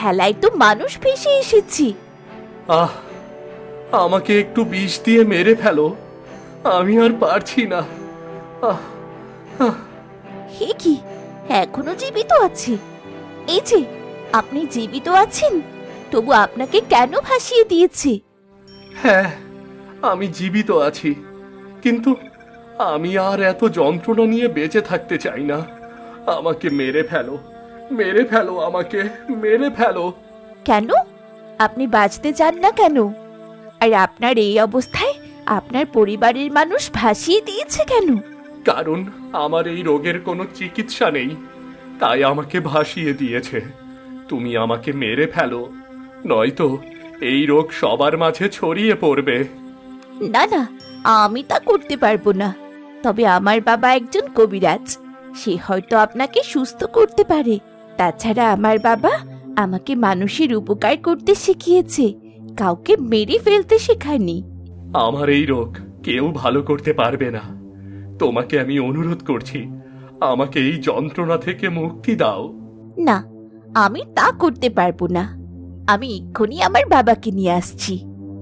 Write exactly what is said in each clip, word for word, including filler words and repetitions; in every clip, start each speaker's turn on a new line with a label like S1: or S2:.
S1: ভেলায় তো মানুষ ভেসে এসেছি।
S2: আহ আমাকে একটু বিষ দিয়ে মেরে ফেলো, আমি আর পারছি না। আহ আহ
S1: হে কি, এখনো জীবিত আছে? এই যে আপনি জীবিত আছেন, তবু আপনাকে কেন ভাসিয়ে দিয়েছে?
S2: হ্যাঁ, আমি জীবিত আছি, কিন্তু আমি আর এত যন্ত্রণা নিয়ে বেঁচে থাকতে চাই না। আমাকে মেরে ফেলো, মেরে ফেলো, আমাকে মেরে ফেলো।
S1: কেন? আপনি বাঁচতে চান না কেন? আর আপনার এই অবস্থায় আপনার পরিবারের মানুষ ভাসিয়ে দিয়েছে কেন?
S2: কারণ আমার এই রোগের কোনো চিকিৎসা নেই, তাই আমাকে ভাসিয়ে দিয়েছে। তুমি আমাকে মেরে ফেলো, নয়তো এই রোগ সবার মাঝে ছড়িয়ে পড়বে।
S1: না না, আমি তা করতে পারবো না। তবে আমার বাবা একজন কবিরাজ, সে হয়তো আপনাকে সুস্থ করতে পারে। তাছাড়া আমার বাবা আমাকে মানুষের উপকার করতে শিখিয়েছে, কাউকে মেরে ফেলতে শেখায়নি।
S2: আমার এই রোগ কেউ ভালো করতে পারবে না। তোমাকে আমি অনুরোধ করছি, আমাকে এই যন্ত্রণা থেকে মুক্তি দাও।
S1: না, আমি তা করতে পারবো না। আমি এক্ষুনি আমার বাবাকে নিয়ে আসছি।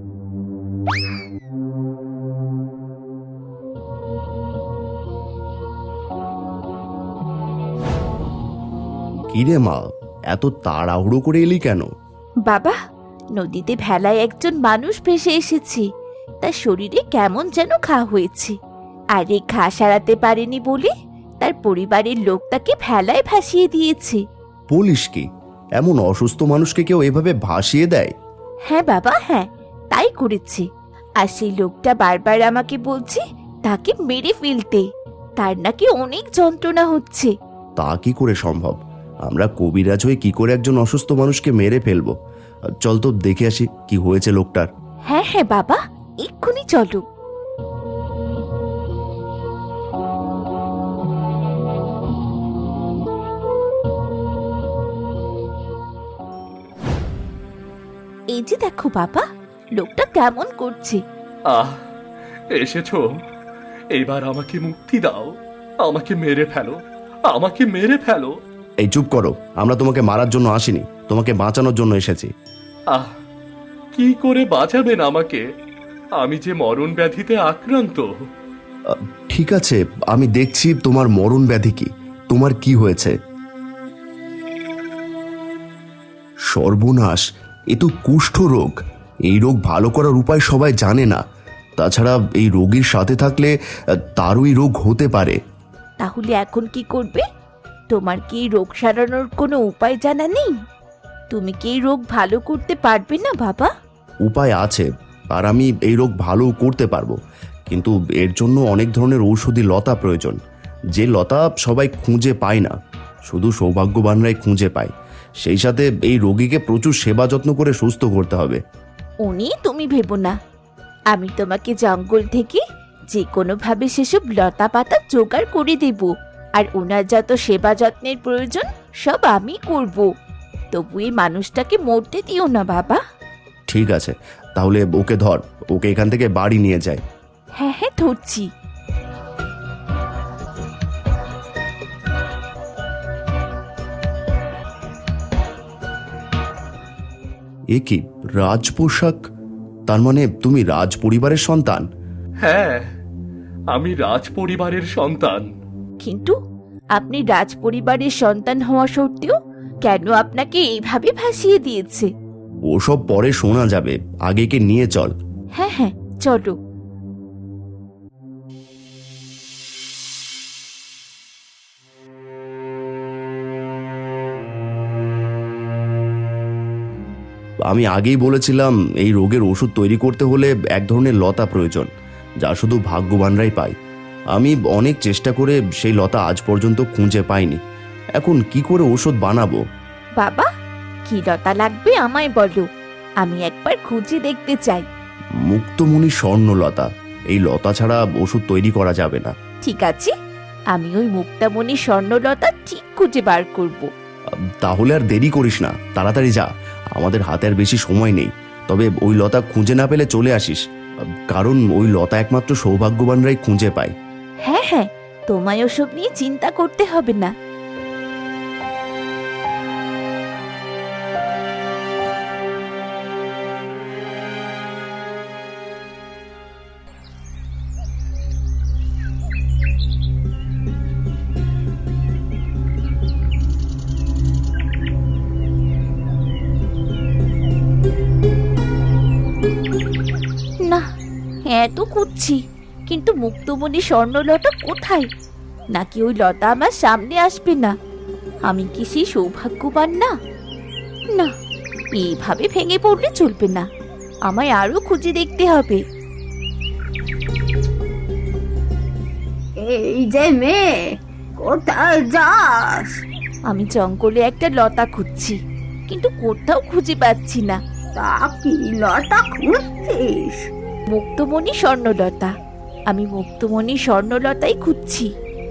S3: কিরে মা, এত তাড়াহুড়ো করে এলি কেন?
S1: বাবা, নদীতে ভেলায় একজন মানুষ ভেসে এসেছে, তার শরীরে কেমন যেন ঘা হয়েছে। আর এই ঘা সারাতে পারেনি বলে তার পরিবারের লোক তাকে ভেলায় ভাসিয়ে দিয়েছে।
S3: বলিস কি, এমন অসুস্থ মানুষকে কেউ এভাবে ভাসিয়ে দেয়?
S1: হ্যাঁ বাবা, হ্যাঁ, তাই করেছে। আর সেই লোকটা বারবার আমাকে বলছে তাকে মেরে ফেলতে, তার নাকি অনেক যন্ত্রণা হচ্ছে।
S3: তা কি করে সম্ভব? আমরা কবিরাজ হয়ে কি করে একজন অসুস্থ মানুষকে মেরে ফেলবো? চল তো দেখে আসি কি হয়েছে লোকটার।
S1: হ্যাঁ হ্যাঁ বাবা, এক্ষুনি চলো। এই যে দেখো বাবা, লোকটা কেমন করছে।
S2: আহ এসেছো, এবার আমাকে মুক্তি দাও। আমাকে মেরে ফেলো, আমাকে মেরে ফেলো।
S3: এই চুপ করো, আমরা তোমাকে মারার জন্য আসিনি, তোমাকে বাঁচানোর জন্য এসেছি।
S2: আহ কি করে বাঁচাবেন আমাকে? আমি যে মরণ ব্যাধিতে আক্রান্ত।
S3: আহ, ঠিক আছে, আমি দেখছি তোমার মরণ ব্যাধি কি, তোমার কি হয়েছে। সর্বনাশ, এ তো কুষ্ঠ রোগ। এই রোগ ভালো করার উপায় সবাই জানে না। তাছাড়া এই রোগীর সাথে থাকলে আহ, তারও এই রোগ হতে পারে।
S1: তাহলে এখন কি করবে? তোমার কি এই রোগ সারানোর কোনো উপায় জানা নেই? তুমি কি এই রোগ ভালো করতে পারবে না বাবা?
S3: উপায় আছে, আর আমি এই রোগ ভালো করতে পারবো, কিন্তু এর জন্য অনেক ধরনের ঔষধি লতা প্রয়োজন, যে লতা সবাই খুঁজে পায় না, শুধু সৌভাগ্যবানরাই খুঁজে পায়। সেই সাথে এই রোগীকে প্রচুর সেবা যত্ন করে সুস্থ করতে হবে।
S1: উনি তুমি ভেবো না, আমি তোমাকে জঙ্গল থেকে যে কোনোভাবে সেসব লতা পাতা জোগাড় করে দেব, আর ওনার যত সেবা যত্নের প্রয়োজন সব আমি করব। তবু এই মানুষটাকে মরতে দিও না বাবা।
S3: ঠিক আছে, তাহলে ওকে ধর, ওকে এখান থেকে বাড়ি নিয়ে যায়।
S1: হ্যাঁ হ্যাঁ, ধরছি।
S3: এ কি রাজ পোশাক? তার মানে তুমি রাজ পরিবারের সন্তান?
S2: হ্যাঁ, আমি রাজ পরিবারের সন্তান।
S1: কিন্তু আপনি রাজ পরিবারের সন্তান হওয়া সত্ত্বেও কেন আপনাকে এইভাবে ভাসিয়ে দিয়েছে?
S3: ওসব পরে শোনা যাবে, আগে কে নিয়ে চল।
S1: হ্যাঁ হ্যাঁ, চলো।
S3: আমি আগেই বলেছিলাম এই রোগের ওষুধ তৈরি করতে হলে এক ধরনের লতা প্রয়োজন, যা শুধু ভাগ্যবানরাই পায়। আমি অনেক চেষ্টা করে সেই লতা আজ পর্যন্ত খুঁজে পাইনি। এখন কি করে ওষুধ বানাবো?
S1: বাবা, কি লতা লাগবে আমায় বলো, আমি একবার খুঁজে দেখতে চাই।
S3: মুক্তমণি স্বর্ণলতা, এই লতা ছাড়া ওষুধ তৈরি করা যাবে না।
S1: ঠিক আছে, আমি ওই মুক্তামণি স্বর্ণলতা ঠিক খুঁজে বার করব।
S3: তাহলে আর দেরি করিস না, তাড়াতাড়ি যা, আমাদের হাতে আর বেশি সময় নেই। তবে ওই লতা খুঁজে না পেলে চলে আসিস, কারণ ওই লতা একমাত্র সৌভাগ্যবানরাই খুঁজে পায়।
S1: হ্যাঁ হ্যাঁ, তোমায় ওসব নিয়ে চিন্তা করতে হবে না। এত খুঁজছি, কিন্তু মুক্তমণি স্বর্ণলতা কোথায়? নাকি ওই লতা আমার সামনে আসবে না? আমি কি সেই সৌভাগ্যবান না? না, এইভাবে ভেঙে পড়লে চলবে না, আমায় আরো খুঁজে দেখতে হবে।
S4: এই যে মেয়ে, কোথায় যাস?
S1: আমি জঙ্গলে একটা লতা খুঁজছি, কিন্তু কোথাও খুঁজে পাচ্ছি না।
S4: তা কি লতা খুঁজছিস?
S1: মুক্তমণি স্বর্ণলতা, আমি মুক্তমণি স্বর্ণলতাই খুঁজছি।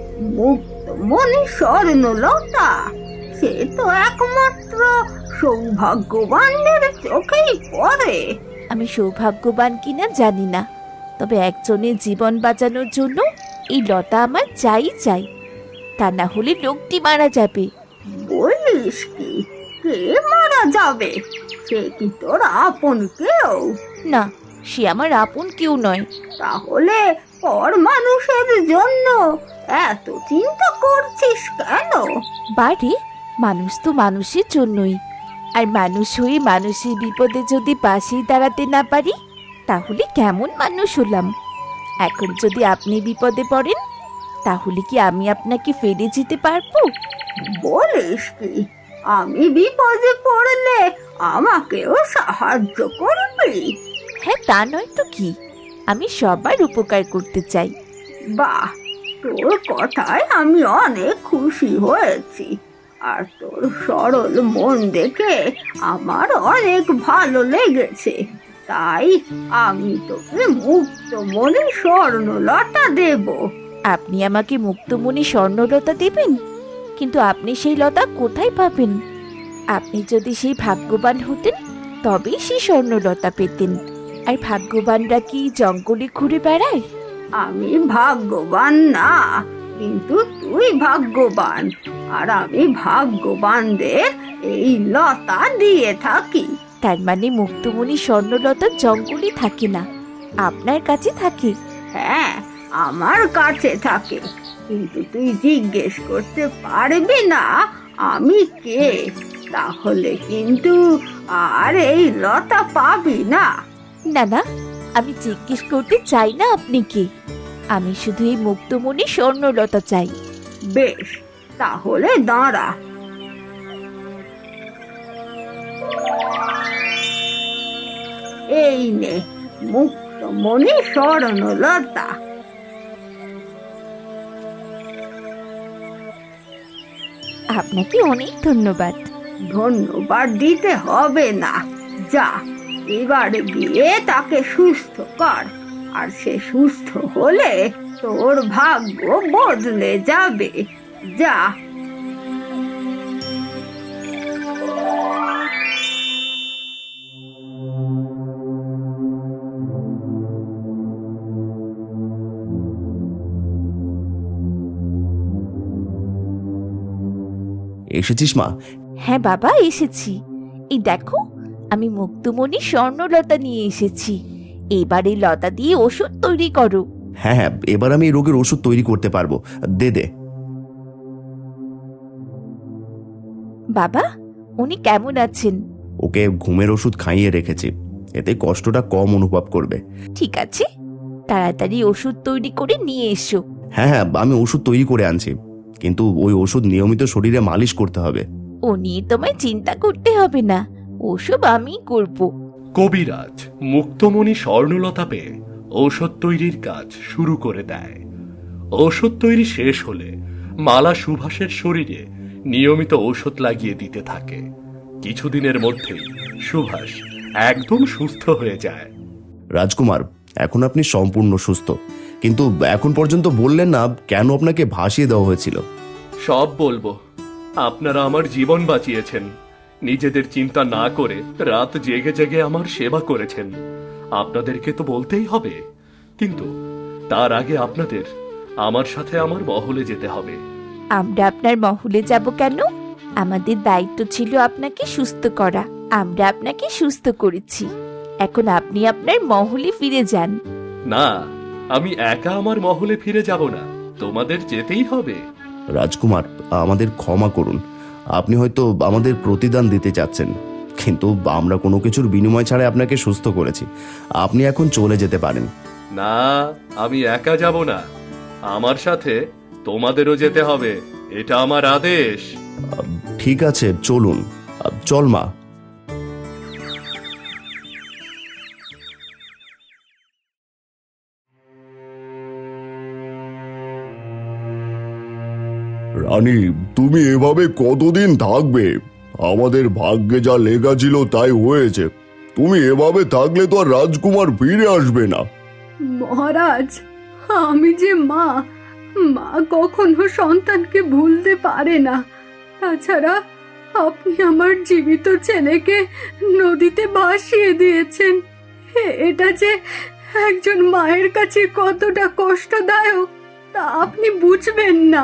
S4: মুক্তমণি স্বর্ণলতা? সে তো একমাত্র সৌভাগ্যবানদের চোখেই পড়ে।
S1: আমি সৌভাগ্যবান কিনা জানি না, তবে একজনের জীবন বাঁচানোর জন্য এই লতা আমার চাই চাই, তা না হলে লোকটি মারা যাবে।
S4: বলিস কি? কে মারা যাবে? সে কি তোর আপন কেউ?
S1: না, সে আমার আপন কেউ নয়।
S4: তাহলে পর মানুষের জন্য এত চিন্তা করছিস কেন?
S1: বাড়ি, মানুষ তো মানুষের জন্যই, আর মানুষ হয়ে মানুষের বিপদে যদি পাশেই দাঁড়াতে না পারি, তাহলে কেমন মানুষ হলাম? এখন যদি আপনি বিপদে পড়েন, তাহলে কি আমি আপনাকে ফেলে যেতে পারবো?
S4: বলিস কি? আমি বিপদে পড়লে আমাকেও সাহায্য করবি?
S1: হ্যাঁ, তা নয় তো কি, আমি সবার উপকার করতে চাই।
S4: বাহ, তোর কথায় আমি অনেক খুশি হয়েছি। আর তোর সরল মন দেখে আমার অনেক ভালো লেগেছে। তাই আমি তোকে মুক্তমণি স্বর্ণলতা দেব।
S1: আপনি আমাকে মুক্তমণি স্বর্ণলতা দেবেন? কিন্তু আপনি সেই লতা কোথায় পাবেন? আপনি যদি সেই ভাগ্যবান হতেন, তবেই সেই স্বর্ণলতা পেতেন। আর ভাগ্যবানরা কি জঙ্গলে ঘুরে বেড়ায়?
S4: আমি ভাগ্যবান না, কিন্তু তুই ভাগ্যবান। আর আমি ভাগ্যবানদের এই লতা দিয়ে থাকি।
S1: তার মানে মুক্তমণি স্বর্ণলতা জঙ্গলে থাকে না, আপনার কাছে থাকে?
S4: হ্যাঁ, আমার কাছে থাকে। কিন্তু তুই জিজ্ঞেস করতে পারবি না আমি কে, তাহলে কিন্তু আর এই লতা পাবি না।
S1: না না, আমি জিজ্ঞেস করতে চাই না আপনি কে, আমি শুধু এই মুক্তমণি স্বর্ণলতা চাই।
S4: বেশ, তাহলে দাঁড়া। এই নে মুক্তমণি স্বর্ণলতা।
S1: আপনাকে অনেক ধন্যবাদ।
S4: ধন্যবাদ দিতে হবে না। যা, এবার গিয়ে তাকে সুস্থ কর। আর সে সুস্থ হলে তোর ভাগ্য বদলে যাবে। যা।
S3: এসেছিস মা?
S1: হ্যাঁ বাবা, এসেছি। এই দেখো, আমি মুক্তমণি স্বর্ণলতা নিয়ে এসেছি। এবার এই লতা দিয়ে ওষুধ তৈরি করো।
S3: হ্যাঁ হ্যাঁ, এবার আমি এই রোগের ওষুধ তৈরি করতে পারবো। দে দে।
S1: বাবা, উনি কেমন আছেন?
S3: ওকে ঘুমের ওষুধ খাইয়ে রেখেছি, এতে কষ্টটা কম অনুভব করবে।
S1: ঠিক আছে, তাড়াতাড়ি ওষুধ তৈরি করে নিয়ে এসো।
S3: হ্যাঁ হ্যাঁ, আমি ওষুধ তৈরি করে আনছি, কিন্তু ওই ওষুধ নিয়মিত শরীরে মালিশ করতে হবে।
S1: ও নিয়ে তোমায় চিন্তা করতে হবে না, ওসব আমি করব।
S2: কবিরাজ মুক্তমণি স্বর্ণলতা পেয়ে ঔষধ তৈরির কাজ শুরু করে দেয়। ঔষধ তৈরি শেষ হলে মালা সুভাষের শরীরে নিয়মিত ঔষধ লাগিয়ে দিতে থাকে। কিছুদিনের মধ্যেই সুভাষ একদম সুস্থ হয়ে যায়।
S3: রাজকুমার, এখন আপনি সম্পূর্ণ সুস্থ, কিন্তু এখন পর্যন্ত বললেন না কেন আপনাকে ভাসিয়ে দেওয়া হয়েছিল।
S2: সব বলবো। আপনারা আমার জীবন বাঁচিয়েছেন, নিজেদের চিন্তা না করে রাত জেগে জেগে আমার সেবা করেছেন। আপনাদেরকে তো বলতেই হবে, কিন্তু তার আগে আপনাদের আমার সাথে আমার মহলে যেতে হবে।
S1: আমরা আপনার মহলে যাব কেন? আমাদের দায়িত্ব ছিল আপনাকে সুস্থ করা, আমরা আপনাকে সুস্থ করেছি। এখন আপনি আপনার মহলে ফিরে যান।
S2: না, আমি একা আমার মহলে ফিরে যাব না, তোমাদের যেতেই হবে।
S3: রাজকুমার, আমাদের ক্ষমা করুন। আপনি হয়তো আমাদের প্রতিদান দিতে চাচ্ছেন, কিন্তু আমরা কোনো কিছুর বিনিময় ছাড়াই আপনাকে সুস্থ করেছি। আপনি এখন চলে যেতে পারেন।
S2: না, আমি একা যাব না, আমার সাথে তোমাদেরও যেতে হবে, এটা আমার আদেশ।
S3: ঠিক আছে, চলুন। আহ, চল মা।
S5: রানী, তুমি এভাবে কতদিন থাকবে? আমাদের ভাগ্যে যা লেখা ছিল তাই হয়েছে। তুমি এভাবে থাকলে তো আর রাজকুমার ফিরে আসবে না।
S4: মহারাজ, আমি যে মা, মা কখনো সন্তানকে ভুলতে পারে না। তাছাড়া আপনি আমার জীবিত ছেলেকে নদীতে ভাসিয়ে দিয়েছেন। এ- এটা যে একজন মায়ের কাছে কতটা কষ্টদায়ক তা আপনি বুঝবেন না।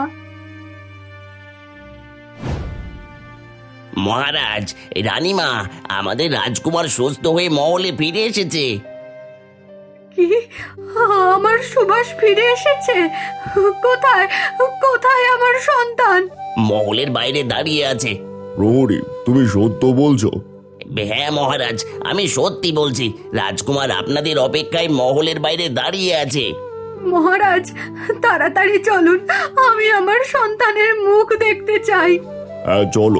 S6: মহারাজ, রানীমা, আমাদের রাজকুমার সুস্থ হয়ে মহলে ফিরে এসেছে।
S4: কি, আমার সুভাষ ফিরে এসেছে? কোথায় কোথায় আমার সন্তান?
S6: মহলের বাইরে দাঁড়িয়ে আছে।
S5: প্রহরী, তুমি সত্য বলছো?
S6: হ্যাঁ মহারাজ, আমি সত্যি বলছি। রাজকুমার আপনাদের অপেক্ষায় মহলের বাইরে দাঁড়িয়ে আছে।
S4: মহারাজ, তাড়াতাড়ি চলুন, আমি আমার সন্তানের মুখ দেখতে চাই।
S5: হ্যাঁ, চলো।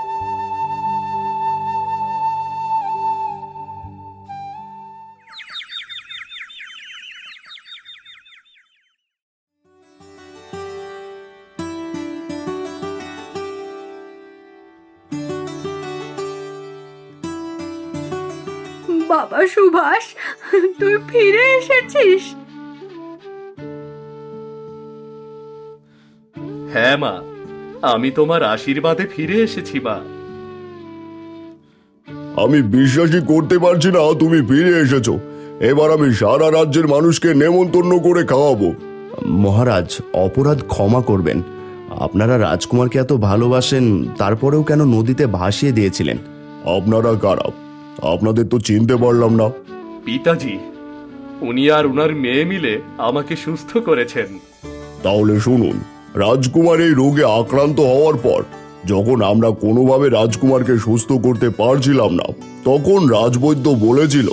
S4: বাবা সুভাষ, তুই ফিরে এসেছিস?
S2: হ্যাঁ মা, আমি তোমার আশীর্বাদে ফিরে এসেছি মা।
S5: আমি বিশ্বাসই করতে পারছি না তুমি ফিরে এসেছো। এবার আমি সারা রাজ্যের মানুষকে নেমন্তন্ন করে খাওয়াবো।
S3: মহারাজ, অপরাধ ক্ষমা করবেন। আপনারা রাজকুমারকে এত ভালোবাসেন, তারপরেও কেন নদীতে ভাসিয়ে দিয়েছিলেন?
S5: আপনারা কারা? আপনাদের তো চিনতে পারলাম না।
S2: পিতাজি, উনি আর উনার মেয়ে মিলে আমাকে সুস্থ করেছেন।
S5: তাহলে শুনুন, রাজকুমার এই রোগে আক্রান্ত হওয়ার পর যখন আমরা কোনোভাবে রাজকুমারকে সুস্থ করতে পারছিলাম না, তখন রাজবৈদ্য বলেছিল,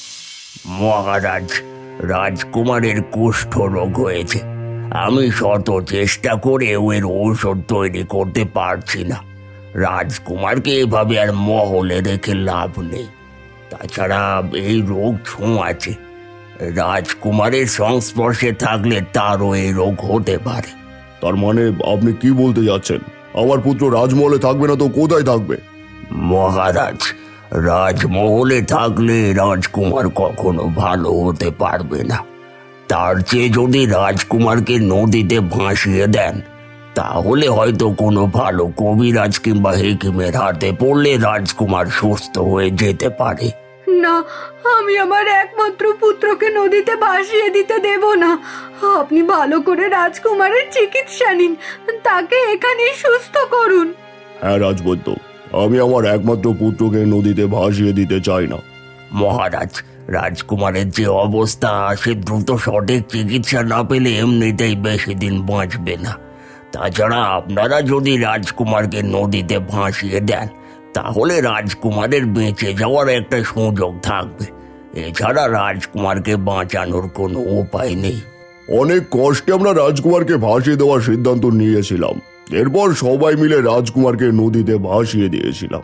S6: মহারাজ, রাজকুমারের কুষ্ঠ রোগ হয়েছে। আমি শত চেষ্টা করেও এর ঔষধ তৈরি করতে পারছি না। রাজকুমারকে এভাবে আর মহলে রেখে লাভ নেই। তাছাড়া এই রোগ ছোঁয়াচে। রাজকুমারের সংস্পর্শে থাকলে তারও এই রোগ হতে পারে।
S5: তার মানে আপনি কি বলতে যাচ্ছেন? আমার পুত্র রাজমহলে থাকবে না তো কোথায় থাকবে?
S6: মহারাজ, রাজমহলে থাকলে রাজকুমার কখনো ভালো হতে পারবে না। তার চেয়ে যদি রাজকুমারকে নদীতে ভাসিয়ে দেন, তাহলে হয়তো কোনো ভালো কবিরাজ কিংবা হেকিমের হাতে পড়লে রাজকুমার সুস্থ হয়ে যেতে পারে।
S4: না, আমি আমার একমাত্র পুত্রকে নদীতে ভাসিয়ে দিতে দেব না। আপনি ভালো করে রাজকুমারের চিকিৎসা নিন, তাকে এখানেই সুস্থ করুন।
S5: হ্যাঁ রাজবৈদ্য, আমি আমার একমাত্র পুত্রকে নদীতে ভাসিয়ে দিতে চাই না।
S6: মহারাজ, রাজকুমারের যে অবস্থা, সে দ্রুত সঠিক চিকিৎসা না পেলে এমনিতেই বেশি দিন বাঁচবে না। তাছাড়া আপনারা যদি রাজকুমারকে নদীতে ভাসিয়ে দেন, তাহলে রাজকুমারের বেঁচে যাওয়ার একটা সুযোগ থাকবে। এছাড়া রাজকুমারকে বাঁচানোর কোনো উপায় নেই।
S5: অনেক কষ্টে আমরা রাজকুমারকে ভাসিয়ে দেওয়ার সিদ্ধান্ত নিয়েছিলাম। এরপর সবাই মিলে রাজকুমারকে নদীতে ভাসিয়ে দিয়েছিলাম।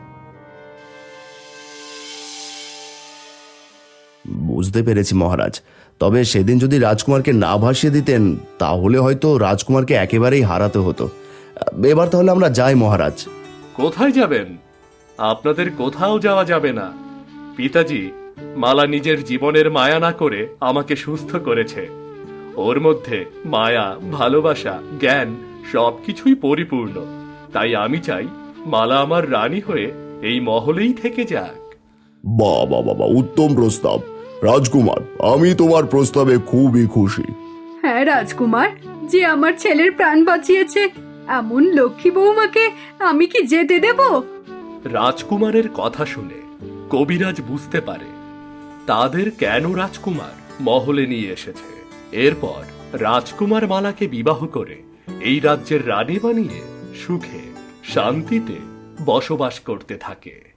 S3: বুঝতে পেরেছি মহারাজ। তবে সেদিন যদি রাজকুমারকে না ভাসিয়ে দিতেন, তাহলে হয়তো রাজকুমারকে একেবারেই হারাতে হতো। এবার তাহলে আমরা যাই মহারাজ।
S2: কোথায় যাবেন? আপনাদের কোথাও যাওয়া যাবে না। পিতাজি, মালা নিজের জীবনের মায়া না করে আমাকে সুস্থ করেছে। ওর মধ্যে মায়া, ভালোবাসা, জ্ঞান সবকিছুই পরিপূর্ণ। তাই আমি চাই মালা আমার রানী হয়ে এই মহলেই থেকে যাক।
S5: বাহ বাহ বাবা, উত্তম প্রস্তাব। রাজকুমার, আমি তোমার প্রস্তাবে খুবই খুশি।
S4: হ্যাঁ রাজকুমার, যে আমার ছেলের প্রাণ বাঁচিয়েছে, এমন লক্ষ্মী বৌমাকে আমি কি যেতে দেব?
S2: রাজকুমারের কথা শুনে কবিরাজ বুঝতে পারে তাদের কেন রাজকুমার মহলে নিয়ে এসেছে। এরপর রাজকুমার মালাকে বিবাহ করে এই রাজ্যের রানী বানিয়ে সুখে শান্তিতে বসবাস করতে থাকে।